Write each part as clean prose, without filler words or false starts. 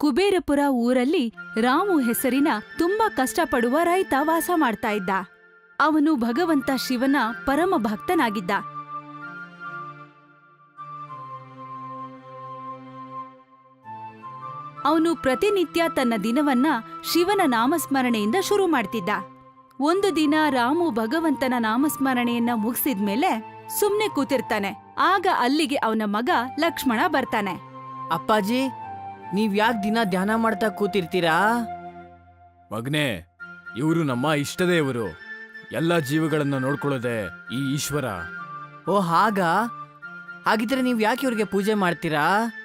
ಕುಬೇರಪುರ ಊರಲ್ಲಿ ರಾಮು ಹೆಸರಿನ ತುಂಬಾ ಕಷ್ಟಪಡುವ ರೈತ ವಾಸ ಮಾಡ್ತಾ ಇದ್ದ. ಅವನು ಭಗವಂತ ಶಿವನ ಪರಮ ಭಕ್ತನಾಗಿದ್ದ. ಅವನು ಪ್ರತಿನಿತ್ಯ ತನ್ನ ದಿನವನ್ನ ಶಿವನ ನಾಮಸ್ಮರಣೆಯಿಂದ ಶುರು ಮಾಡ್ತಿದ್ದ. ಒಂದು ದಿನ ರಾಮು ಭಗವಂತನ ನಾಮಸ್ಮರಣೆಯನ್ನ ಮುಗಿಸಿದ್ಮೇಲೆ ಸುಮ್ನೆ ಕೂತಿರ್ತಾನೆ. ಆಗ ಅಲ್ಲಿಗೆ ಅವನ ಮಗ ಲಕ್ಷ್ಮಣ ಬರ್ತಾನೆ. ಅಪ್ಪಾಜಿ, ನೀವ್ ಯಾಕೆ ದಿನ ಧ್ಯಾನ ಮಾಡ್ತಾ ಕೂತಿರ್ತೀರಾ? ಮಗನೇ, ಇವರು ನಮ್ಮ ಇಷ್ಟದೇವರು. ಎಲ್ಲ ಜೀವಗಳನ್ನ ನೋಡ್ಕೊಳ್ಳೋದೆ ಈ ಈಶ್ವರ. ಓ ಹಾಗಿದ್ರೆ ನೀವ್ ಯಾಕೆ ಇವ್ರಿಗೆ ಪೂಜೆ ಮಾಡ್ತೀರಾ?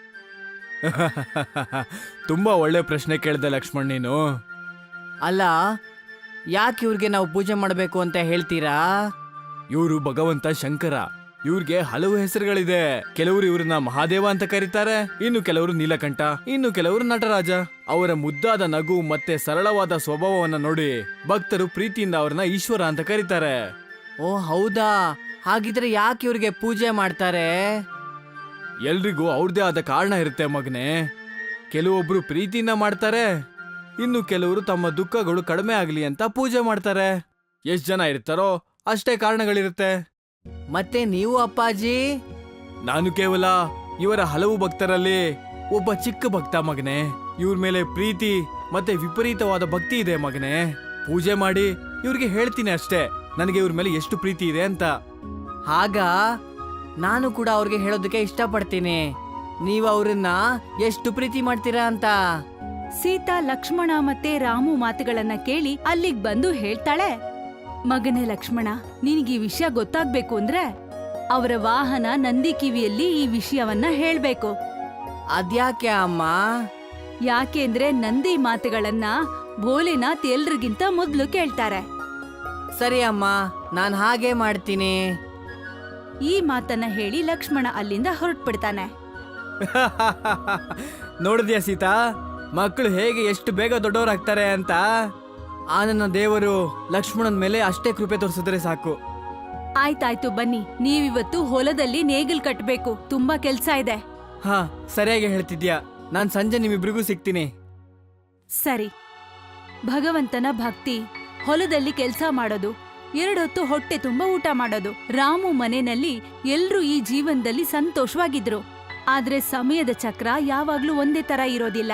ತುಂಬಾ ಒಳ್ಳೆ ಪ್ರಶ್ನೆ ಕೇಳ್ದೆ ಲಕ್ಷ್ಮಣ್ ನೀನು. ಅಲ್ಲ, ಯಾಕೆ ಇವ್ರಿಗೆ ನಾವು ಪೂಜೆ ಮಾಡಬೇಕು ಅಂತ ಹೇಳ್ತೀರಾ? ಇವರು ಭಗವಂತ ಶಂಕರ. ಇವ್ರಿಗೆ ಹಲವು ಹೆಸರುಗಳಿದೆ. ಕೆಲವರು ಇವ್ರನ್ನ ಮಹಾದೇವ ಅಂತ ಕರೀತಾರೆ, ಇನ್ನು ಕೆಲವರು ನೀಲಕಂಠ, ಇನ್ನು ಕೆಲವರು ನಟರಾಜ. ಅವರ ಮುದ್ದಾದ ನಗು ಮತ್ತೆ ಸರಳವಾದ ಸ್ವಭಾವವನ್ನ ನೋಡಿ ಭಕ್ತರು ಪ್ರೀತಿಯಿಂದ ಅವ್ರನ್ನ ಈಶ್ವರ ಅಂತ ಕರೀತಾರೆ. ಓ ಹೌದಾ? ಹಾಗಿದ್ರೆ ಯಾಕೆ ಇವ್ರಿಗೆ ಪೂಜೆ ಮಾಡ್ತಾರೆ? ಎಲ್ರಿಗೂ ಅವ್ರದೇ ಆದ ಕಾರಣ ಇರುತ್ತೆ ಮಗನೇ. ಕೆಲವೊಬ್ರು ಪ್ರೀತಿಯಿಂದ ಮಾಡ್ತಾರೆ, ಇನ್ನು ಕೆಲವರು ತಮ್ಮ ದುಃಖಗಳು ಕಡಿಮೆ ಆಗ್ಲಿ ಅಂತ ಪೂಜೆ ಮಾಡ್ತಾರೆ. ಎಷ್ಟ್ ಜನ ಇರ್ತಾರೋ ಅಷ್ಟೇ ಕಾರಣಗಳಿರುತ್ತೆ. ಮತ್ತೆ ನೀವು ಅಪ್ಪಾಜಿ? ನಾನು ಕೇವಲ ಇವರ ಹಲವು ಭಕ್ತರಲ್ಲಿ ಒಬ್ಬ ಚಿಕ್ಕ ಭಕ್ತ ಮಗನೇ. ಇವ್ರ ಮೇಲೆ ಪ್ರೀತಿ ಮತ್ತೆ ವಿಪರೀತವಾದ ಭಕ್ತಿ ಇದೆ ಮಗನೇ. ಪೂಜೆ ಮಾಡಿ ಇವ್ರಿಗೆ ಹೇಳ್ತೀನಿ ಅಷ್ಟೇ, ನನಗೆ ಇವ್ರ ಮೇಲೆ ಎಷ್ಟು ಪ್ರೀತಿ ಇದೆ ಅಂತ. ಆಗ ನಾನು ಕೂಡ ಅವ್ರಿಗೆ ಹೇಳೋದಕ್ಕೆ ಇಷ್ಟಪಡ್ತೀನಿ, ನೀವು ಅವ್ರನ್ನ ಎಷ್ಟು ಪ್ರೀತಿ ಮಾಡ್ತೀರಾ ಅಂತ. ಸೀತಾ ಲಕ್ಷ್ಮಣ ಮತ್ತೆ ರಾಮು ಮಾತುಗಳನ್ನ ಕೇಳಿ ಅಲ್ಲಿಗ್ ಬಂದು ಹೇಳ್ತಾಳೆ, ಮಗನೇ ಲಕ್ಷ್ಮಣ, ನಿನಗೆ ಈ ವಿಷಯ ಗೊತ್ತಾಗ್ಬೇಕು ಅಂದ್ರೆ ಅವರ ವಾಹನ ನಂದಿ ಕಿವಿಯಲ್ಲಿ ಈ ವಿಷಯವನ್ನ ಹೇಳ್ಬೇಕು. ಅದ್ಯಾಕೆ ಅಮ್ಮ? ಯಾಕೆಂದ್ರೆ ನಂದಿ ಮಾತುಗಳನ್ನ ಭೋಲೆನಾಥ್ ಎಲ್ರಿಗಿಂತ ಮೊದ್ಲು ಕೇಳ್ತಾರೆ. ಸರಿ ಅಮ್ಮ, ನಾನು ಹಾಗೆ ಮಾಡ್ತೀನಿ. ಈ ಮಾತನ್ನ ಹೇಳಿ ಲಕ್ಷ್ಮಣ ಅಲ್ಲಿಂದ ಹೊರಟ್ಬಿಡ್ತಾನೆ. ನೋಡಿದ್ಯಾ ಸೀತಾ, ಮಕ್ಕಳು ಹೇಗೆ ಎಷ್ಟು ಬೇಗ ದೊಡ್ಡವರಾಗ್ತಾರೆ ಅಂತ. ಆ ನನ್ನ ದೇವರು ಲಕ್ಷ್ಮಣನ ಮೇಲೆ ಅಷ್ಟೇ ಕೃಪೆ ತೋರಿಸಿದ್ರೆ ಸಾಕು. ಆಯ್ತಾಯ್ತು, ಬನ್ನಿ. ನೀವಿವತ್ತು ಹೊಲದಲ್ಲಿ ನೇಗಿಲ್ ಕಟ್ಬೇಕು, ತುಂಬಾ ಕೆಲ್ಸ ಇದೆ. ಹಾ, ಸರಿಯಾಗಿ ಹೇಳ್ತಿದ್ಯಾ. ನಾನ್ ಸಂಜೆ ನಿಮ್ಮಿಬ್ರಿಗೂ ಸಿಗ್ತೀನಿ. ಸರಿ. ಭಗವಂತನ ಭಕ್ತಿ, ಹೊಲದಲ್ಲಿ ಕೆಲ್ಸ ಮಾಡೋದು, 2 ಹೊತ್ತು ಹೊಟ್ಟೆ ತುಂಬ ಊಟ ಮಾಡೋದು. ರಾಮು ಮನೆಯಲ್ಲಿ ಎಲ್ರೂ ಈ ಜೀವನದಲ್ಲಿ ಸಂತೋಷವಾಗಿದ್ರು. ಆದ್ರೆ ಸಮಯದ ಚಕ್ರ ಯಾವಾಗ್ಲೂ ಒಂದೇ ತರ ಇರೋದಿಲ್ಲ.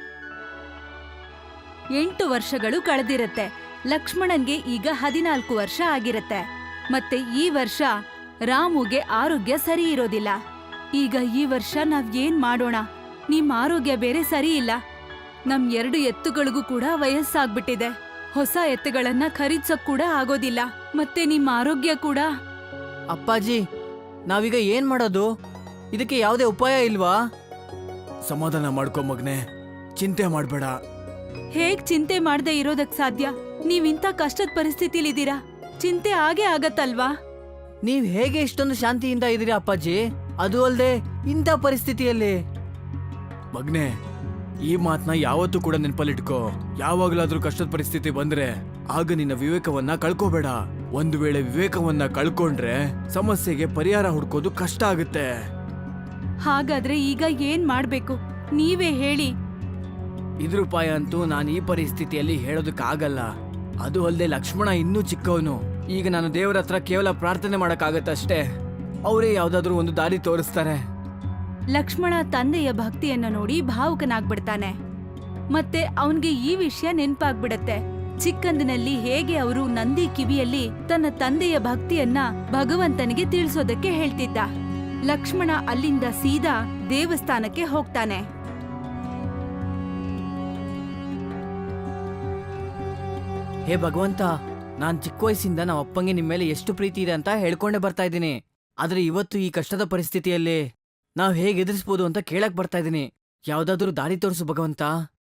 8 ವರ್ಷಗಳು ಕಳೆದಿರತ್ತೆ. ಲಕ್ಷ್ಮಣನ್ಗೆ ಈಗ 14 ವರ್ಷ ಆಗಿರತ್ತೆ. ಮತ್ತೆ ಈ ವರ್ಷ ರಾಮುಗೆ ಆರೋಗ್ಯ ಸರಿ ಇರೋದಿಲ್ಲ. ಈಗ ಈ ವರ್ಷ ನಾವ್ ಏನ್ ಮಾಡೋಣ? ನಿಮ್ ಆರೋಗ್ಯ ಬೇರೆ ಸರಿ ಇಲ್ಲ. ನಮ್ 2 ಎತ್ತುಗಳಿಗೂ ಕೂಡ ವಯಸ್ಸಾಗ್ಬಿಟ್ಟಿದೆ. ಹೊಸ ಎತ್ತುಗಳನ್ನ ಖರೀದ್ಸಕ್ ಕೂಡ ಆಗೋದಿಲ್ಲ. ಮತ್ತೆ ನಿಮ್ ಆರೋಗ್ಯ ಕೂಡ. ಅಪ್ಪಾಜಿ, ನಾವೀಗ ಏನ್ ಮಾಡೋದು? ಇದಕ್ಕೆ ಯಾವುದೇ ಉಪಾಯ ಇಲ್ವಾ? ಸಮಾಧಾನ ಮಾಡ್ಕೊ ಮಗನೇ, ಚಿಂತೆ ಮಾಡ್ಬೇಡ. ಹೇಗ್ ಚಿಂತೆ ಮಾಡ್ದೆ ಇರೋದಕ್ ಸಾಧ್ಯ? ನೀವಿಂತ ಕಷ್ಟದ ಪರಿಸ್ಥಿತಿಲಿದ್ದೀರಾ, ಚಿಂತೆ ಆಗೇ ಆಗತ್ತಲ್ವಾ? ನೀವ್ ಹೇಗೆ ಇಷ್ಟೊಂದು ಶಾಂತಿಯಿಂದ ಇದೀರಿ ಅಪ್ಪಾಜಿ? ಅದು ಅಲ್ದೆ ಇಂಥ ಪರಿಸ್ಥಿತಿಯಲ್ಲಿ. ಮಗ್ನೆ, ಈ ಮಾತನ್ನ ಯಾವತ್ತೂ ಕೂಡ ನೆನಪಲ್ಲಿಟ್ಕೋ. ಯಾವಾಗ್ಲಾದ್ರೂ ಕಷ್ಟದ ಪರಿಸ್ಥಿತಿ ಬಂದ್ರೆ ಆಗ ನಿನ್ನ ವಿವೇಕವನ್ನ ಕಳ್ಕೋಬೇಡ. ಒಂದು ವೇಳೆ ವಿವೇಕವನ್ನ ಕಳ್ಕೊಂಡ್ರೆ ಸಮಸ್ಯೆಗೆ ಪರಿಹಾರ ಹುಡ್ಕೋದು ಕಷ್ಟ ಆಗುತ್ತೆ. ಹಾಗಾದ್ರೆ ಈಗ ಏನ್ ಮಾಡ್ಬೇಕು? ನೀವೇ ಹೇಳಿ. ಇದ್ರ ಉಪಾಯ ಅಂತೂ ನಾನು ಈ ಪರಿಸ್ಥಿತಿಯಲ್ಲಿ ಹೇಳೋದಕ್ಕಾಗಲ್ಲ. ಅದು ಅಲ್ಲದೆ ಲಕ್ಷ್ಮಣ ಇನ್ನೂ ಚಿಕ್ಕವನು. ಈಗ ನಾನು ದೇವರ ಹತ್ರ ಕೇವಲ ಪ್ರಾರ್ಥನೆ ಮಾಡಕ್ಕಾಗತ್ತಷ್ಟೇ. ಅವರೇ ಯಾವ್ದಾದ್ರೂ ಒಂದು ದಾರಿ ತೋರಿಸ್ತಾರೆ. ಲಕ್ಷ್ಮಣ ತಂದೆಯ ಭಕ್ತಿಯನ್ನ ನೋಡಿ ಭಾವುಕನಾಗ್ಬಿಡ್ತಾನೆ. ಮತ್ತೆ ಅವನ್ಗೆ ಈ ವಿಷಯ ನೆನ್ಪಾಗ್ಬಿಡತ್ತೆ. ಚಿಕ್ಕಂದಿನಲ್ಲಿ ಹೇಗೆ ಅವರು ನಂದಿ ಕಿವಿಯಲ್ಲಿ ತನ್ನ ತಂದೆಯ ಭಕ್ತಿಯನ್ನ ಭಗವಂತನಿಗೆ ತಿಳಿಸೋದಕ್ಕೆ ಹೇಳ್ತಿದ್ದ. ಲಕ್ಷ್ಮಣ ಅಲ್ಲಿಂದ ಸೀದಾ ದೇವಸ್ಥಾನಕ್ಕೆ ಹೋಗ್ತಾನೆ. ಹೇ ಭಗವಂತ, ನಾನ್ ಚಿಕ್ಕ ವಯಸ್ಸಿಂದ ನಮ್ಮ ಅಪ್ಪಂಗೆ ನಿಮ್ಮ ಮೇಲೆ ಎಷ್ಟು ಪ್ರೀತಿ ಇದೆ ಅಂತ ಹೇಳ್ಕೊಂಡೇ ಬರ್ತಾ ಇದ್ದೀನಿ. ಆದ್ರೆ ಇವತ್ತು ಈ ಕಷ್ಟದ ಪರಿಸ್ಥಿತಿಯಲ್ಲಿ ನಾವ್ ಹೇಗೆ ಎದುರಿಸ್ಬೋದು ಅಂತ ಕೇಳಕ್ ಬರ್ತಾ ಇದ್ದೀನಿ. ಯಾವ್ದಾದ್ರೂ ದಾರಿ ತೋರಿಸು ಭಗವಂತ.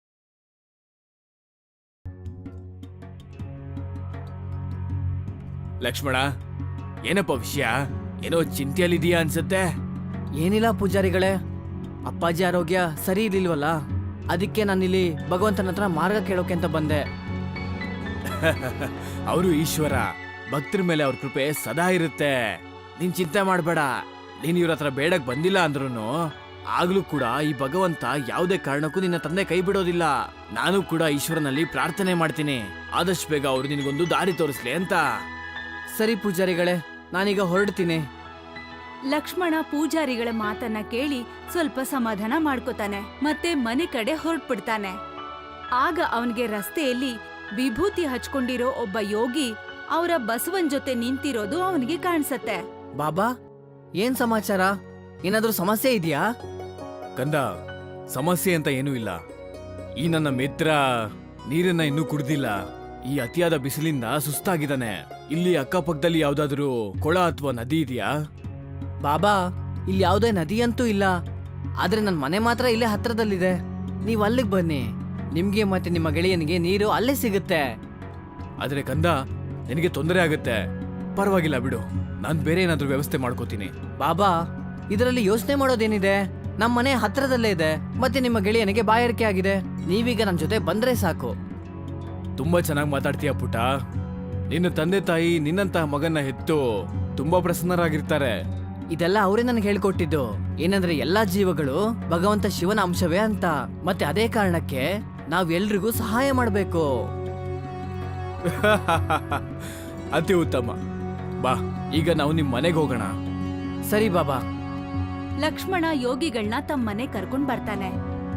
ಲಕ್ಷ್ಮಣ, ಏನಪ್ಪ ವಿಷಯ? ಏನೋ ಚಿಂತೆಯಲ್ಲಿದೀಯಾ ಅನ್ಸತ್ತೆ. ಏನಿಲ್ಲ ಪೂಜಾರಿಗಳೇ, ಅಪ್ಪಾಜಿ ಆರೋಗ್ಯ ಸರಿ ಇರ್ಲಿಲ್ವಲ್ಲ, ಅದಕ್ಕೆ ನಾನಿಲ್ಲಿ ಭಗವಂತನ ಹತ್ರ ಮಾರ್ಗ ಕೇಳೋಕೆ ಅಂತ ಬಂದೆ. ಅವರು ಈಶ್ವರ, ಭಕ್ತರ ಮೇಲೆ ಅವ್ರ ಕೃಪೆ ಸದಾ ಇರುತ್ತೆ. ನೀನ್ ಚಿಂತೆ ಮಾಡ್ಬೇಡ. ನೀನ್ ಇವ್ರ ಹತ್ರ ಬೇಡಕ್ ಬಂದಿಲ್ಲ ಅಂದ್ರೂ ಆಗ್ಲೂ ಕೂಡ ಈ ಭಗವಂತ ಯಾವುದೇ ಕಾರಣಕ್ಕೂ ನಿನ್ನ ತಂದೆ ಕೈ ಬಿಡೋದಿಲ್ಲ. ನಾನು ಕೂಡ ಈಶ್ವರನಲ್ಲಿ ಪ್ರಾರ್ಥನೆ ಮಾಡ್ತೀನಿ, ಆದಷ್ಟು ಬೇಗ ಅವ್ರು ನಿನಗೊಂದು ದಾರಿ ತೋರಿಸ್ಲಿ ಅಂತ. ಸರಿ ಪೂಜಾರಿಗಳೇ, ನಾನೀಗ ಹೊರಡ್ತೀನಿ. ಲಕ್ಷ್ಮಣ ಪೂಜಾರಿಗಳ ಮಾತನ್ನ ಕೇಳಿ ಸ್ವಲ್ಪ ಸಮಾಧಾನ ಮಾಡ್ಕೋತಾನೆ ಮತ್ತೆ ಮನೆ ಕಡೆ ಹೊರಟ್ಬಿಡ್ತಾನೆ. ಆಗ ಅವನ್ಗೆ ರಸ್ತೆಯಲ್ಲಿ ವಿಭೂತಿ ಹಚ್ಕೊಂಡಿರೋ ಒಬ್ಬ ಯೋಗಿ ಅವರ ಬಸವನ್ ಜೊತೆ ನಿಂತಿರೋದು ಅವನಿಗೆ ಕಾಣಿಸತ್ತೆ. ಬಾಬಾ, ಏನ್ ಸಮಾಚಾರ? ಏನಾದ್ರೂ ಸಮಸ್ಯೆ ಇದೆಯಾ? ಕಂದ, ಸಮಸ್ಯೆ ಅಂತ ಏನೂ ಇಲ್ಲ. ಈ ನನ್ನ ಮಿತ್ರ ನೀರನ್ನ ಇನ್ನೂ ಕುಡ್ದಿಲ್ಲ. ಈ ಅತಿಯಾದ ಬಿಸಿಲಿಂದ ಸುಸ್ತಾಗಿದ್ದಾನೆ. ಇಲ್ಲಿ ಅಕ್ಕಪಕ್ಕದಲ್ಲಿ ಯಾವ್ದಾದ್ರೂ ಕೊಳ ಅಥವಾ ನದಿ ಇದೆಯಾ? ಬಾಬಾ, ಇಲ್ಲಿ ಯಾವುದೇ ನದಿ ಅಂತೂ ಇಲ್ಲ. ಆದ್ರೆ ನನ್ನ ಮನೆ ಮಾತ್ರ ಇಲ್ಲೇ ಹತ್ರದಲ್ಲಿದೆ. ನೀವು ಅಲ್ಲಿಗೆ ಬನ್ನಿ, ನಿಮ್ಗೆ ಮತ್ತೆ ನಿಮ್ಮ ಗೆಳೆಯನಿಗೆ ನೀರು ಅಲ್ಲೇ ಸಿಗುತ್ತೆ. ಆದ್ರೆ ಕಂದ, ನಿನಗೆ ತೊಂದರೆ ಆಗುತ್ತೆ. ಪರವಾಗಿಲ್ಲ ಬಿಡು, ನಾನು ಬೇರೆ ಏನಾದ್ರೂ ವ್ಯವಸ್ಥೆ ಮಾಡ್ಕೋತೀನಿ. ಬಾಬಾ, ಇದರಲ್ಲಿ ಯೋಚನೆ ಮಾಡೋದೇನಿದೆ? ನಮ್ಮ ಮನೆ ಹತ್ರದಲ್ಲೇ ಇದೆ, ಮತ್ತೆ ನಿಮ್ಮ ಗೆಳೆಯನಿಗೆ ಬಾಯಾರಿಕೆ ಆಗಿದೆ. ನೀವೀಗ ನನ್ನ ಜೊತೆ ಬಂದ್ರೆ ಸಾಕು. ತುಂಬಾ ಚೆನ್ನಾಗಿ ಮಾತಾಡ್ತೀಯ ಪುಟ. ನಿನ್ನ ತಂದೆ ತಾಯಿ ನಿನ್ನಂತಹ ಮಗನ್ನ ಹೆತ್ತು ತುಂಬಾ ಪ್ರಸನ್ನರಾಗಿರ್ತಾರೆ. ಇದೆಲ್ಲ ಅವರೇ ನನಗೆ ಹೇಳ್ಕೊಟ್ಟಿದ್ದು. ಏನಂದ್ರೆ ಎಲ್ಲಾ ಜೀವಗಳು ಭಗವಂತ ಶಿವನ ಅಂಶವೇ ಅಂತ. ಮತ್ತೆ ಅದೇ ಕಾರಣಕ್ಕೆ ನಾವೆಲ್ರಿಗೂ ಸಹಾಯ ಮಾಡಬೇಕು. ಅತಿ ಉತ್ತಮ. ಬಾ, ಈಗ ನಾವು ನಿಮ್ ಮನೆಗೆ ಹೋಗೋಣ. ಸರಿ ಬಾಬಾ. ಲಕ್ಷ್ಮಣ ಯೋಗಿಗಳನ್ನ ತಮ್ಮ ಮನೆ ಕರ್ಕೊಂಡ್ ಬರ್ತಾನೆ.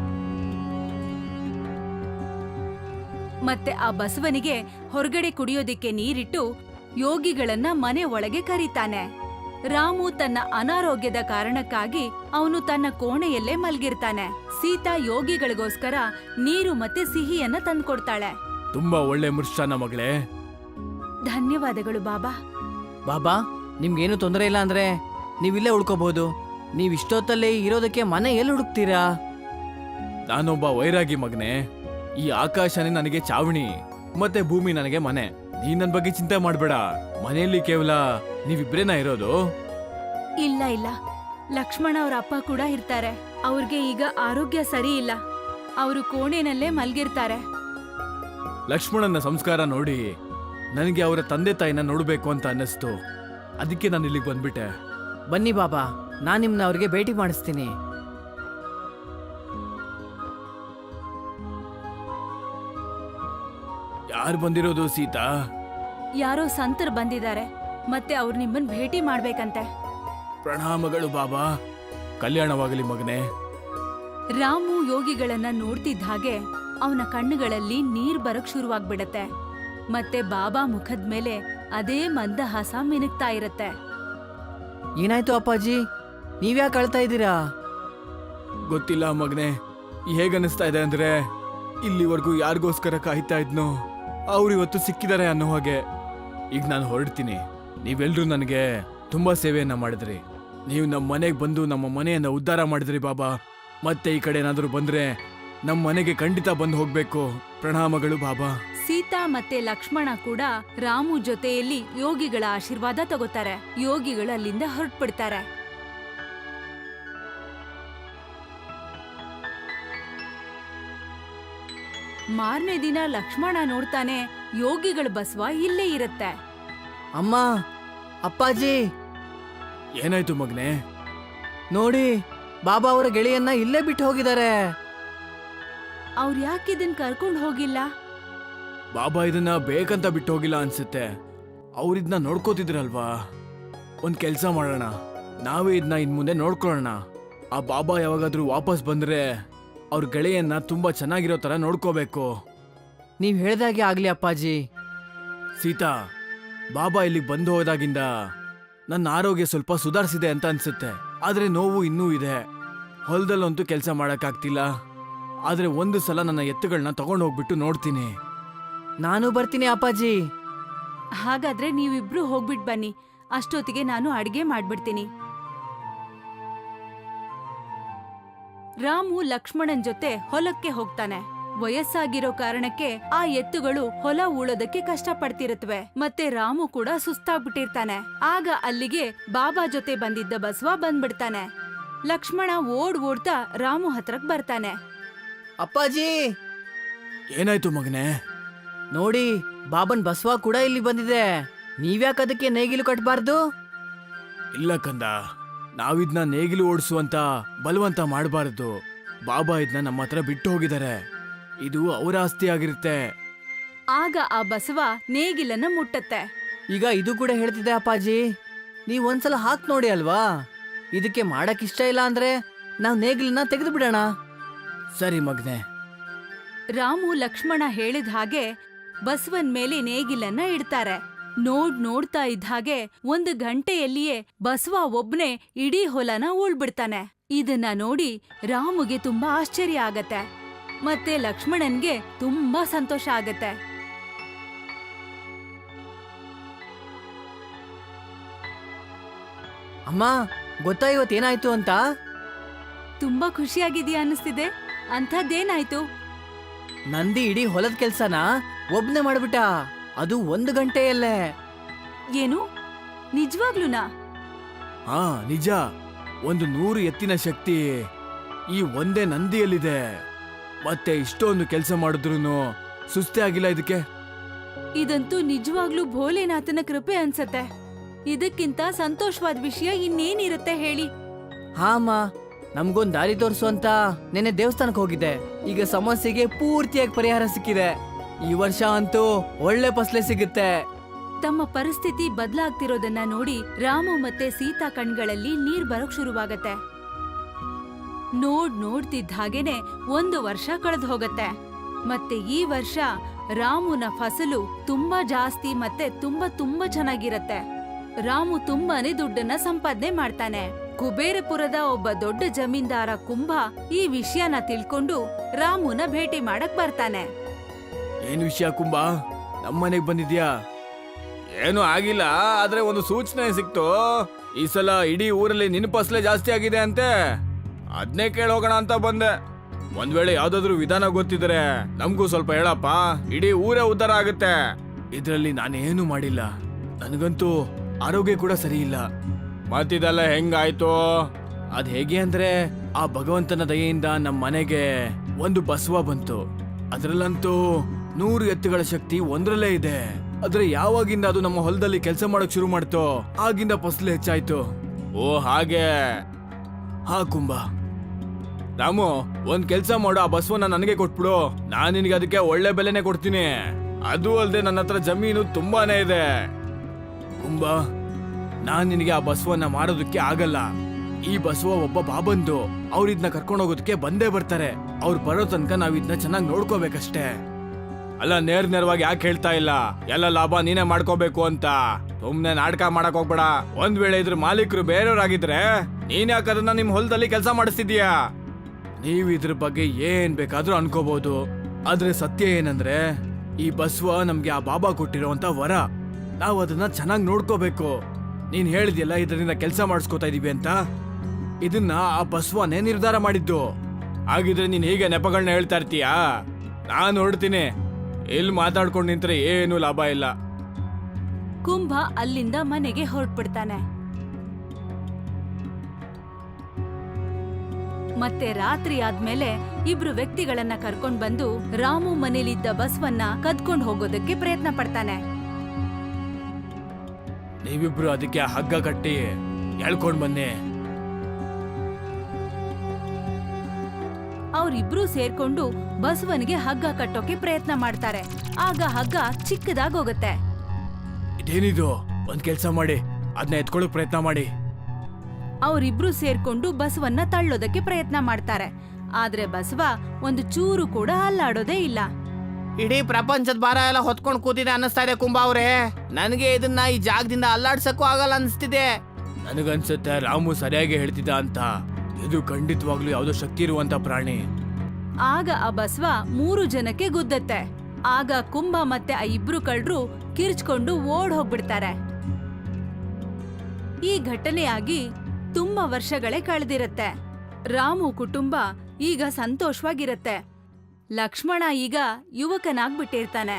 ಮತ್ತೆ ಆ ಬಸವನಿಗೆ ಹೊರಗಡೆ ಕುಡಿಯೋದಿಕ್ಕೆ ನೀರಿಟ್ಟು ಯೋಗಿಗಳನ್ನ ಮನೆ ಒಳಗೆ ಕರೀತಾನೆ. ರಾಮು ತನ್ನ ಅನಾರೋಗ್ಯದ ಕಾರಣಕ್ಕಾಗಿ ಅವನು ತನ್ನ ಕೋಣೆಯಲ್ಲೇ ಮಲ್ಗಿರ್ತಾನೆ. ಸೀತಾ ಯೋಗಿಗಳಿಗೋಸ್ಕರ ನೀರು ಮತ್ತೆ ಸಿಹಿಯನ್ನ ತಂದ್ಕೊಡ್ತಾಳೆ. ತುಂಬಾ ಒಳ್ಳೆ ಮೃಷ್ಟಾನ ಮಗಳೇ. ಧನ್ಯವಾದಗಳು ಬಾಬಾ. ಬಾಬಾ, ನಿಮ್ಗೇನು ತೊಂದರೆ ಇಲ್ಲ ಅಂದ್ರೆ ನೀವಿಲ್ಲೇ ಉಳ್ಕೋಬಹುದು. ನೀವ್ ಇಷ್ಟೊತ್ತಲ್ಲೇ ಇರೋದಕ್ಕೆ ಮನೆ ಎಲ್ಲಿ ಹುಡುಕ್ತೀರಾ? ನಾನೊಬ್ಬ ವೈರಾಗಿ ಮಗನೇ. ಈ ಆಕಾಶನೇ ನನಗೆ ಚಾವಣಿ, ಮತ್ತೆ ಭೂಮಿ ನನಗೆ ಮನೆ. ನೀ ನನ್ ಬಗ್ಗೆ ಚಿಂತೆ ಮಾಡ್ಬೇಡ. ಮನೆಯಲ್ಲಿ ಕೇವಲ ನೀವಿಬ್ರೇನಾ ಇರೋದು? ಇಲ್ಲ ಇಲ್ಲ, ಲಕ್ಷ್ಮಣ ಅವ್ರ ಅಪ್ಪ ಕೂಡ ಇರ್ತಾರೆ. ಅವ್ರಿಗೆ ಈಗ ಆರೋಗ್ಯ ಸರಿ ಇಲ್ಲ. ಅವರು ಕೋಣೆನಲ್ಲೇ ಮಲ್ಗಿರ್ತಾರೆ. ಲಕ್ಷ್ಮಣನ ಸಂಸ್ಕಾರ ನೋಡಿ ನನಗೆ ಅವರ ತಂದೆ ತಾಯಿನ ನೋಡ್ಬೇಕು ಅಂತ ಅನ್ನಿಸ್ತು. ಅದಕ್ಕೆ ನಾನು ಇಲ್ಲಿಗೆ ಬಂದ್ಬಿಟ್ಟೆ. ಬನ್ನಿ ಬಾಬಾ, ನಾನ್ ನಿಮ್ನ ಅವ್ರಿಗೆ ಭೇಟಿ ಮಾಡಿಸ್ತೀನಿ. ಯಾರು ಬಂದಿರೋದು ಸೀತಾ? ಯಾರೋ ಸಂತರು ಬಂದಿದ್ದಾರೆ, ಮತ್ತೆ ಅವ್ರು ನಿಮ್ಮನ್ ಭೇಟಿ ಮಾಡ್ಬೇಕಂತೆ. ಪ್ರಣಾಮಗಳು ಬಾಬಾ. ಕಲ್ಯಾಣವಾಗಲಿ ಮಗನೇ. ರಾಮು ಯೋಗಿಗಳನ್ನ ನೋಡ್ತಿದ್ದ ಹಾಗೆ ಅವನ ಕಣ್ಣುಗಳಲ್ಲಿ ನೀರ್ ಬರಕ್ ಶುರುವಾಗ್ಬಿಡತ್ತೆ. ಮತ್ತೆ ಬಾಬಾ ಮುಖದ ಮೇಲೆ ಅದೇ ಮಂದಹಾಸ ಮಿನುಗ್ತಾ ಇರತ್ತೆ. ಏನಾಯ್ತು ಅಪ್ಪಾಜಿ, ನೀವ್ಯಾಕೆ ಅಳ್ತಾ ಇದ್ದೀರಾ? ಗೊತ್ತಿಲ್ಲ ಮಗನೇ, ಹೇಗನ್ನಿಸ್ತಾ ಇದೆ ಅಂದ್ರೆ ಇಲ್ಲಿವರೆಗೂ ಯಾರಿಗೋಸ್ಕರ ಕಾಯ್ತಾ ಇದ್ನೋ ಅವ್ರು ಇವತ್ತು ಸಿಕ್ಕಿದ್ದಾರೆ ಅನ್ನೋ ಹಾಗೆ. ಈಗ ನಾನು ಹೊರಡ್ತೀನಿ. ನೀವೆಲ್ರೂ ನನಗೆ ತುಂಬಾ ಸೇವೆಯನ್ನ ಮಾಡಿದ್ರಿ. ನೀವು ನಮ್ಮ ಮನೆಗೆ ಬಂದು ನಮ್ಮ ಮನೆಯನ್ನ ಉದ್ಧಾರ ಮಾಡಿದ್ರಿ ಬಾಬಾ. ಮತ್ತೆ ಈ ಕಡೆ ಏನಾದರೂ ಬಂದ್ರೆ ನಮ್ಮ ಮನೆಗೆ ಖಂಡಿತ ಬಂದು ಹೋಗ್ಬೇಕು. ಪ್ರಣಾಮಗಳು ಬಾಬಾ. ಸೀತಾ ಮತ್ತೆ ಲಕ್ಷ್ಮಣ ಕೂಡ ರಾಮು ಜೊತೆಯಲ್ಲಿ ಯೋಗಿಗಳ ಆಶೀರ್ವಾದ ತಗೋತಾರೆ. ಯೋಗಿಗಳು ಅಲ್ಲಿಂದ ಹೊರಟ್ಬಿಡ್ತಾರೆ. ಮಾರನೇ ದಿನ ಲಕ್ಷ್ಮಣ ನೋಡ್ತಾನೆ, ಯೋಗಿಗಳ ಬಸವ ಇಲ್ಲೇ ಇರತ್ತೆ. ಅಮ್ಮ, ಅಪ್ಪಾಜಿ, ಏನಾಯ್ತು ಮಗನೇ? ನೋಡಿ, ಬಾಬಾ ಅವರ ಗೆಳೆಯನ್ನ ಇಲ್ಲೇ ಬಿಟ್ಟು ಹೋಗಿದ್ದಾರೆ. ಅವ್ರು ಯಾಕಿದನ್ ಕರ್ಕೊಂಡ್ ಹೋಗಿಲ್ಲ? ಬಾಬಾ ಇದನ್ನ ಬೇಕಂತ ಬಿಟ್ಟು ಹೋಗಿಲ್ಲ ಅನ್ಸುತ್ತೆ. ಅವ್ರಿದ್ನ ನೋಡ್ಕೋತಿದ್ರಲ್ವಾ. ಒಂದ್ ಕೆಲ್ಸ ಮಾಡೋಣ, ನಾವೇ ಇದನ್ನ ಇನ್ ಮುಂದೆ ನೋಡ್ಕೊಳ್ಳೋಣ. ಆ ಬಾಬಾ ಯಾವಾಗಾದ್ರೂ ವಾಪಸ್ ಬಂದ್ರೆ ಅವ್ರ ಗೆಳೆಯನ್ನ ತುಂಬಾ ಚೆನ್ನಾಗಿರೋ ತರ ನೋಡ್ಕೋಬೇಕು. ನೀವ್ ಹೇಳ್ದಾಗೆ ಆಗ್ಲಿ ಅಪ್ಪಾಜಿ. ಸೀತಾ, ಬಾಬಾ ಇಲ್ಲಿಗೆ ಬಂದು ಹೋದಾಗಿಂದ ನನ್ನ ಆರೋಗ್ಯ ಸ್ವಲ್ಪ ಸುಧಾರಿಸಿದೆ ಅಂತ ಅನ್ಸುತ್ತೆ. ಆದ್ರೆ ನೋವು ಇನ್ನೂ ಇದೆ. ಹೊಲದಲ್ಲಂತೂ ಕೆಲಸ ಮಾಡಕ್ಕಾಗ್ತಿಲ್ಲ. ಆದ್ರೆ ಒಂದು ಸಲ ನನ್ನ ಎತ್ತುಗಳನ್ನ ತಗೊಂಡು ಹೋಗ್ಬಿಟ್ಟು ನೋಡ್ತೀನಿ. ನಾನು ಬರ್ತೀನಿ ಅಪ್ಪಾಜಿ. ಹಾಗಾದ್ರೆ ನೀವಿಬ್ರು ಹೋಗ್ಬಿಟ್ ಬನ್ನಿ. ಅಷ್ಟೊತ್ತಿಗೆ ನಾನು ಅಡ್ಗೆ ಮಾಡ್ಬಿಡ್ತೀನಿ. ರಾಮು ಲಕ್ಷ್ಮಣನ್ ಜೊತೆ ಹೊಲಕ್ಕೆ ಹೋಗ್ತಾನೆ. ವಯಸ್ಸಾಗಿರೋ ಕಾರಣಕ್ಕೆ ಆ ಎತ್ತುಗಳು ಹೊಲ ಉಳೋದಕ್ಕೆ ಕಷ್ಟ ಪಡ್ತಿರುತ್ತವೆ. ಮತ್ತೆ ರಾಮು ಕೂಡ ಸುಸ್ತಾಗ್ಬಿಟ್ಟಿರ್ತಾನೆ. ಆಗ ಅಲ್ಲಿಗೆ ಬಾಬಾ ಜೊತೆ ಬಂದಿದ್ದ ಬಸವ ಬಂದ್ಬಿಡ್ತಾನೆ. ಲಕ್ಷ್ಮಣ ಓಡ್ತಾ ರಾಮು ಹತ್ರಕ್ ಬರ್ತಾನೆ. ಅಪ್ಪಾಜಿ, ಏನಾಯ್ತು ಮಗನೇ? ನೋಡಿ, ಬಾಬನ್ ಬಸವ ಕೂಡ ಇಲ್ಲಿ ಬಂದಿದೆ. ನೀವ್ಯಾಕೆ ಅದಕ್ಕೆ ನೇಗಿಲು ಕಟ್ಬಾರ್ದು? ಇಲ್ಲ ಕಂದ, ನಾವಿದ್ನ ನೇಗಿಲು ಓಡಿಸುವಂತ ಬಲವಂತ ಮಾಡಬಾರದು. ಬಾಬಾ ಇದನ್ನ ನಮ್ಮ ಹತ್ರ ಬಿಟ್ಟು ಹೋಗಿದ್ದಾರೆ. ಇದು ಅವರ ಆಸ್ತಿ ಆಗಿರುತ್ತೆ. ಆಗ ಆ ಬಸವ ನೇಗಿಲನ್ನ ಮುಟ್ಟತ್ತೆ. ಈಗ ಇದು ಕೂಡ ಹೇಳ್ತಿದ್ದೆ ಅಪ್ಪಾಜಿ, ನೀವ್ ಒಂದ್ಸಲ ಹಾಕ್ ನೋಡಿ ಅಲ್ವಾ. ಇದಕ್ಕೆ ಮಾಡಕ್ ಇಷ್ಟ ಇಲ್ಲ ಅಂದ್ರೆ ನಾವ್ ನೇಗಿಲನ್ನ ತೆಗೆದು ಬಿಡೋಣ. ಸರಿ ಮಗ್ನೆ. ರಾಮು ಲಕ್ಷ್ಮಣ ಹೇಳಿದ ಹಾಗೆ ಬಸವನ್ ಮೇಲೆ ನೇಗಿಲನ್ನ ಇಡ್ತಾರೆ. ನೋಡ್ತಾ ಇದ್ದ ಹಾಗೆ 1 ಗಂಟೆಯಲ್ಲಿಯೇ ಬಸವ ಒಬ್ನೇ ಇಡೀ ಹೊಲನ ಉಳ್ಬಿಡ್ತಾನೆ. ಇದನ್ನ ನೋಡಿ ರಾಮುಗೆ ತುಂಬಾ ಆಶ್ಚರ್ಯ ಆಗತ್ತೆ. ಮತ್ತೆ ಲಕ್ಷ್ಮಣನ್ಗೆ ತುಂಬಾ ಸಂತೋಷ ಆಗತ್ತೆ. ಅಮ್ಮ, ಗೊತ್ತಾ ಇವತ್ತೇನಾಯ್ತು ಅಂತ? ತುಂಬಾ ಖುಷಿಯಾಗಿದ್ಯಾ ಅನ್ನಿಸ್ತಿದೆ. ಅಂಥದ್ದೇನಾಯ್ತು? ನಂದಿ ಇಡೀ ಹೊಲದ ಕೆಲ್ಸನ ಒಬ್ನೇ ಮಾಡ್ಬಿಟ್ಟ. ಅದು 1 ಗಂಟೆಯಲ್ಲೇ. ಏನು, ನಿಜವಾಗ್ಲೂನಾ? ಹಾ, ನಿಜ. 100 ಎತ್ತಿನ ಶಕ್ತಿ ಈ ಒಂದೇ ನಂದಿಯಲ್ಲಿದೆ. ಮತ್ತೆ ಇಷ್ಟೊಂದು ಕೆಲಸ ಮಾಡಿದ್ರೂ ಸುಸ್ತೇ ಆಗಿಲ್ಲ ಇದಕ್ಕೆ. ಇದಂತೂ ನಿಜವಾಗ್ಲೂ ಭೋಲೆನಾಥನ ಕೃಪೆ ಅನ್ಸತ್ತೆ. ಇದಕ್ಕಿಂತ ಸಂತೋಷವಾದ ವಿಷಯ ಇನ್ನೇನಿರುತ್ತೆ ಹೇಳಿ? ಹಾ ಅಮ್ಮ, ನಮ್ಗೊಂದ್ ದಾರಿ ತೋರ್ಸು ಅಂತ ನೆನ್ನೆ ದೇವಸ್ಥಾನಕ್ಕೆ ಹೋಗಿದ್ದೆ. ಈಗ ಸಮಸ್ಯೆಗೆ ಪೂರ್ತಿಯಾಗಿ ಪರಿಹಾರ ಸಿಕ್ಕಿದೆ. ಈ ವರ್ಷ ಅಂತೂ ಒಳ್ಳೆ ಫಸಲೆ ಸಿಗುತ್ತೆ. ತಮ್ಮ ಪರಿಸ್ಥಿತಿ ಬದಲಾಗ್ತಿರೋದನ್ನ ನೋಡಿ ರಾಮು ಮತ್ತೆ ಸೀತಾ ಕಣ್ಗಳಲ್ಲಿ ನೀರ್ ಬರೋಕ್ ಶುರುವಾಗತ್ತೆ. ನೋಡ್ತಿದ್ದ ಹಾಗೇನೆ 1 ವರ್ಷ ಕಳೆದು ಹೋಗತ್ತೆ. ಮತ್ತೆ ಈ ವರ್ಷ ರಾಮುನ ಫಸಲು ತುಂಬಾ ಜಾಸ್ತಿ ಮತ್ತೆ ತುಂಬಾ ಚೆನ್ನಾಗಿರತ್ತೆ. ರಾಮು ತುಂಬಾನೇ ದುಡ್ಡನ್ನ ಸಂಪಾದನೆ ಮಾಡ್ತಾನೆ. ಕುಬೇರಪುರದ ಒಬ್ಬ ದೊಡ್ಡ ಜಮೀನ್ದಾರ ಕುಂಭ ಈ ವಿಷಯನ ತಿಳ್ಕೊಂಡು ರಾಮುನ ಭೇಟಿ ಮಾಡಕ್ ಬರ್ತಾನೆ. ಏನ್ ವಿಷಯ ಕುಂಬ, ನಮ್ಮನೆಗ್ ಬಂದಿದ್ಯಾ? ಏನು ಆಗಿಲ್ಲ, ಆದ್ರೆ ಒಂದು ಸೂಚನೆ ಸಿಕ್ತು. ಈ ಸಲ ಇಡೀ ಊರಲ್ಲಿ ನಿನ್ ಫಸಲೆ ಜಾಸ್ತಿ ಆಗಿದೆ ಅಂತೆ. ಅದ್ನೇ ಕೇಳೋಗೋಣ ಅಂತ ಬಂದೆ. ಒಂದ್ ವೇಳೆ ಯಾವ್ದಾದ್ರು ವಿಧಾನ ಗೊತ್ತಿದ್ರೆ ನಮ್ಗೂ ಸ್ವಲ್ಪ ಹೇಳಪ್ಪ. ಇಡೀ ಊರೇ ಉದ್ಧಾರ ಆಗುತ್ತೆ. ಇದ್ರಲ್ಲಿ ನಾನೇನು ಮಾಡಿಲ್ಲ. ನನಗಂತೂ ಆರೋಗ್ಯ ಕೂಡ ಸರಿ ಇಲ್ಲ. ಮತ್ತಿದೆಲ್ಲ ಹೆಂಗಾಯ್ತು? ಅದ್ ಹೇಗೆ ಅಂದ್ರೆ, ಆ ಭಗವಂತನ ದಯೆಯಿಂದ ನಮ್ಮ ಮನೆಗೆ ಒಂದು ಬಸವ ಬಂತು. ಅದ್ರಲ್ಲಂತೂ 100 ಎತ್ತುಗಳ ಶಕ್ತಿ ಒಂದ್ರಲ್ಲೇ ಇದೆ. ಆದ್ರೆ ಯಾವಾಗಿಂದ ಅದು ನಮ್ಮ ಹೊಲದಲ್ಲಿ ಕೆಲಸ ಮಾಡಕ್ ಶುರು ಮಾಡ್ತೋ ಆಗಿಂದ ಫಸಲು ಹೆಚ್ಚಾಯ್ತು. ಓ ಹಾಗೆ. ಹಾ ಕುಂಬ. ರಾಮು, ಒಂದ್ ಕೆಲ್ಸ ಮಾಡು, ಆ ಬಸವನ್ನ ನನಗೆ ಕೊಟ್ಬಿಡು. ನಾನ್ ನಿನಗೆ ಅದಕ್ಕೆ ಒಳ್ಳೆ ಬೆಲೆನೆ ಕೊಡ್ತೀನಿ. ಅದು ಅಲ್ಲದೆ ನನ್ನ ಹತ್ರ ಜಮೀನು ತುಂಬಾನೇ ಇದೆ. ಕುಂಬ, ನಾನ್ ನಿನಗೆ ಆ ಬಸವನ್ನ ಮಾರೋದಕ್ಕೆ ಆಗಲ್ಲ. ಈ ಬಸವ ಒಬ್ಬ ಬಾಬಂದು. ಅವ್ರು ಇದನ್ನ ಕರ್ಕೊಂಡು ಹೋಗೋದಕ್ಕೆ ಬಂದೇ ಬರ್ತಾರೆ. ಅವ್ರು ಬರೋ ತನಕ ನಾವ್ ಇದನ್ನ ಚೆನ್ನಾಗಿ ನೋಡ್ಕೋಬೇಕಷ್ಟೇ. ಅಲ್ಲ, ನೇರವಾಗಿ ಯಾಕೆ ಹೇಳ್ತಾ ಇಲ್ಲ? ಎಲ್ಲ ಲಾಭ ನೀನೇ ಮಾಡ್ಕೋಬೇಕು ಅಂತ. ಸುಮ್ನೆ ನಾಟಕ ಮಾಡಕ್ ಹೋಗ್ಬೇಡ. ಒಂದ್ ವೇಳೆ ಇದ್ರ ಮಾಲೀಕರು ಬೇರೆಯವ್ರಾಗಿದ್ರೆ ನೀನ್ ಯಾಕೆ ಅದನ್ನ ನಿಮ್ ಹೊಲದಲ್ಲಿ ಕೆಲಸ ಮಾಡಿಸ್ತಿದ್ಯಾ? ನೀವ್ ಇದ್ರ ಬಗ್ಗೆ ಏನ್ ಬೇಕಾದ್ರೂ ಅನ್ಕೋಬಹುದು. ಆದ್ರೆ ಸತ್ಯ ಏನಂದ್ರೆ, ಈ ಬಸವ ನಮ್ಗೆ ಆ ಬಾಬಾ ಕೊಟ್ಟಿರೋಂತ ವರ. ನಾವ್ ಅದನ್ನ ಚೆನ್ನಾಗಿ ನೋಡ್ಕೋಬೇಕು. ನೀನ್ ಹೇಳಿದ್ಯಲ್ಲ ಇದರಿಂದ ಕೆಲಸ ಮಾಡಿಸ್ಕೋತಾ ಇದೀವಿ ಅಂತ. ಇದನ್ನ ಆ ಬಸವನೇ ನಿರ್ಧಾರ ಮಾಡಿದ್ದು. ಹಾಗಿದ್ರೆ ನೀನ್ ಹೀಗೆ ನೆಪಗಳನ್ನ ಹೇಳ್ತಾ ಇರ್ತೀಯಾ? ನಾನು ಹೊರಡ್ತೀನಿ. ಇಲ್ಲಿ ಮಾತಾಡ್ಕೊಂಡು ನಿಂತ್ರೆ ಏನು ಲಾಭ ಇಲ್ಲ. ಕುಂಭ ಅಲ್ಲಿಂದ ಮನೆಗೆ ಹೊರಟ್ಬಿಡ್ತಾನೆ. ಮತ್ತೆ ರಾತ್ರಿ ಆದ್ಮೇಲೆ ಇಬ್ರು ವ್ಯಕ್ತಿಗಳನ್ನ ಕರ್ಕೊಂಡ್ ಬಂದು ರಾಮು ಮನೇಲಿದ್ದ ಬಸವನ್ನ ಕದ್ಕೊಂಡ್ ಹೋಗೋದಕ್ಕೆ ಪ್ರಯತ್ನ ಪಡ್ತಾನೆ. ನೀವಿಬ್ರು ಅದಕ್ಕೆ ಹಗ್ಗ ಕಟ್ಟಿ ಎಳ್ಕೊಂಡ್ ಬನ್ನಿ. ಅವ್ರಿಬ್ರು ಸೇರ್ಕೊಂಡು ಬಸವನಿಗೆ ಹಗ್ಗ ಕಟ್ಟೋಕೆ ಪ್ರಯತ್ನ ಮಾಡ್ತಾರೆ. ಆಗ ಹಗ್ಗ ಚಿಕ್ಕದಾಗೋಗತ್ತೆ. ಇದೇನಿದು? ಒಂದ್ ಕೆಲ್ಸ ಮಾಡಿ, ಅದನ್ನ ಎತ್ಕೊಳ್ಳೋಕ್ ಪ್ರಯತ್ನ ಮಾಡಿ. ಅವರಿಬ್ರು ಸೇರ್ಕೊಂಡು ಬಸವನ್ನ ತಳ್ಳೋದಕ್ಕೆ ಪ್ರಯತ್ನ ಮಾಡ್ತಾರೆ. ಆದ್ರೆ ಬಸವ ಒಂದು ಚೂರು ಕೂಡ ಅಲ್ಲಾಡೋದೇ ಇಲ್ಲ. ಇಡೀ ಪ್ರಪಂಚದ ಭಾರ ಎಲ್ಲ ಹೊತ್ಕೊಂಡು ಕೂತಿದೆ ಅನ್ನಿಸ್ತಾ ಇದೆ ಕುಂಬ ಅವ್ರೆ. ನನಗೆ ಇದನ್ನ ಈ ಜಾಗದಿಂದ ಅಲ್ಲಾಡ್ಸಕ್ಕೂ ಆಗಲ್ಲ ಅನ್ಸ್ತಿದೆ. ನನಗನ್ಸುತ್ತೆ ರಾಮು ಸರಿಯಾಗಿ ಹೇಳ್ತಿದ್ದ ಅಂತ. ಇದು ಖಂಡಿತವಾಗ್ಲೂ ಯಾವ್ದೋ ಶಕ್ತಿ ಇರುವಂತ ಪ್ರಾಣಿ. ಆಗ ಆ ಬಸವ 3 ಜನಕ್ಕೆ ಗುದ್ದತ್ತೆ. ಆಗ ಕುಂಭ ಮತ್ತೆ ಆ ಇಬ್ರು ಕಳ್ಳರು ಕಿರ್ಚ್ಕೊಂಡು ಓಡ್ ಹೋಗ್ಬಿಡ್ತಾರೆ. ಈ ಘಟನೆಯಾಗಿ ತುಂಬಾ ವರ್ಷಗಳೇ ಕಳೆದಿರತ್ತೆ. ರಾಮು ಕುಟುಂಬ ಈಗ ಸಂತೋಷವಾಗಿರತ್ತೆ. ಲಕ್ಷ್ಮಣ ಈಗ ಯುವಕನಾಗ್ಬಿಟ್ಟಿರ್ತಾನೆ.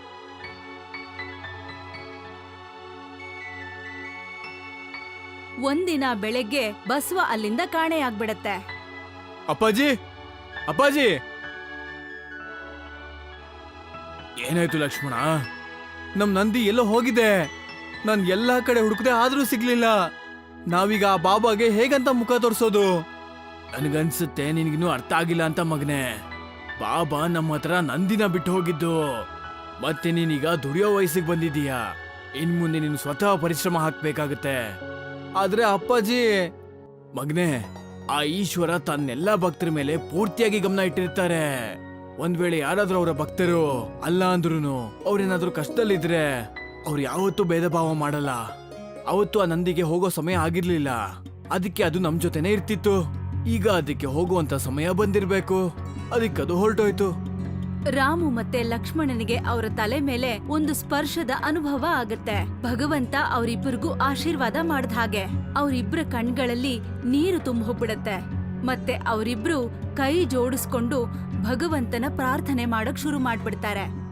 ಒಂದಿನ ಬೆಳಗ್ಗೆ ಬಸವ ಅಲ್ಲಿಂದ ಕಾಣೆಯಾಗ್ಬಿಡತ್ತೆ. ಅಪ್ಪಾಜಿ, ಅಪ್ಪಾಜಿ, ಏನಾಯ್ತು ಲಕ್ಷ್ಮಣ? ನಮ್ ನಂದಿ ಎಲ್ಲೋ ಹೋಗಿದೆ. ನಾನ್ ಎಲ್ಲಾ ಕಡೆ ಹುಡುಕದೆ ಆದ್ರೂ ಸಿಗ್ಲಿಲ್ಲ. ನಾವೀಗ ಆ ಬಾಬಾಗೆ ಹೇಗಂತ ಮುಖ ತೋರಿಸೋದು? ನನಗನ್ಸುತ್ತೆ ನಿನ್ಗಿನ್ನೂ ಅರ್ಥ ಆಗಿಲ್ಲ ಅಂತ ಮಗನೇ. ಬಾಬಾ ನಮ್ಮ ಹತ್ರ ನಂದಿನ ಬಿಟ್ಟು ಹೋಗಿದ್ದು, ಮತ್ತೆ ನೀನೀಗ ದುಡಿಯೋ ವಯಸ್ಸಿಗೆ ಬಂದಿದೀಯಾ. ಇನ್ ಮುಂದೆ ನೀನು ಸ್ವತಃ ಪರಿಶ್ರಮ ಹಾಕ್ಬೇಕಾಗತ್ತೆ. ಆದ್ರೆ ಅಪ್ಪಾಜಿ, ಮಗನೇ, ಆ ಈಶ್ವರ ತನ್ನೆಲ್ಲ ಭಕ್ತರ ಮೇಲೆ ಪೂರ್ತಿಯಾಗಿ ಗಮನ ಇಟ್ಟಿರ್ತಾರೆ. ಒಂದ್ ವೇಳೆ ಯಾರಾದ್ರೂ ಅವರ ಭಕ್ತರು ಅಲ್ಲ ಅಂದ್ರೂನು ಅವ್ರೇನಾದ್ರೂ ಕಷ್ಟದಲ್ಲಿದ್ರೆ ಅವ್ರು ಯಾವತ್ತೂ ಭೇದ ಭಾವ ಮಾಡಲ್ಲ. ಅವತ್ತು ಆ ನಂದಿಗೆ ಹೋಗೋ ಸಮಯ ಆಗಿರ್ಲಿಲ್ಲ, ಅದಕ್ಕೆ ಅದು ನಮ್ ಜೊತೆನೆ ಇರ್ತಿತ್ತು. ಈಗ ಅದಕ್ಕೆ ಹೋಗುವಂತ ಸಮಯ ಬಂದಿರ್ಬೇಕು, ಅದಕ್ಕದು ಹೊರಟೋಯ್ತು. ರಾಮು ಮತ್ತೆ ಲಕ್ಷ್ಮಣನಿಗೆ ಅವರ ತಲೆ ಮೇಲೆ ಒಂದು ಸ್ಪರ್ಶದ ಅನುಭವ ಆಗತ್ತೆ. ಭಗವಂತ ಅವರಿಬ್ಬರಿಗೂ ಆಶೀರ್ವಾದ ಮಾಡ್ದ ಹಾಗೆ ಅವರಿಬ್ಬರ ಕಣ್ಗಳಲ್ಲಿ ನೀರು ತುಂಬೋಗ್ಬಿಡತ್ತೆ. ಮತ್ತೆ ಅವರಿಬ್ರು ಕೈ ಜೋಡಿಸ್ಕೊಂಡು ಭಗವಂತನ ಪ್ರಾರ್ಥನೆ ಮಾಡಕ್ ಶುರು ಮಾಡ್ಬಿಡ್ತಾರೆ.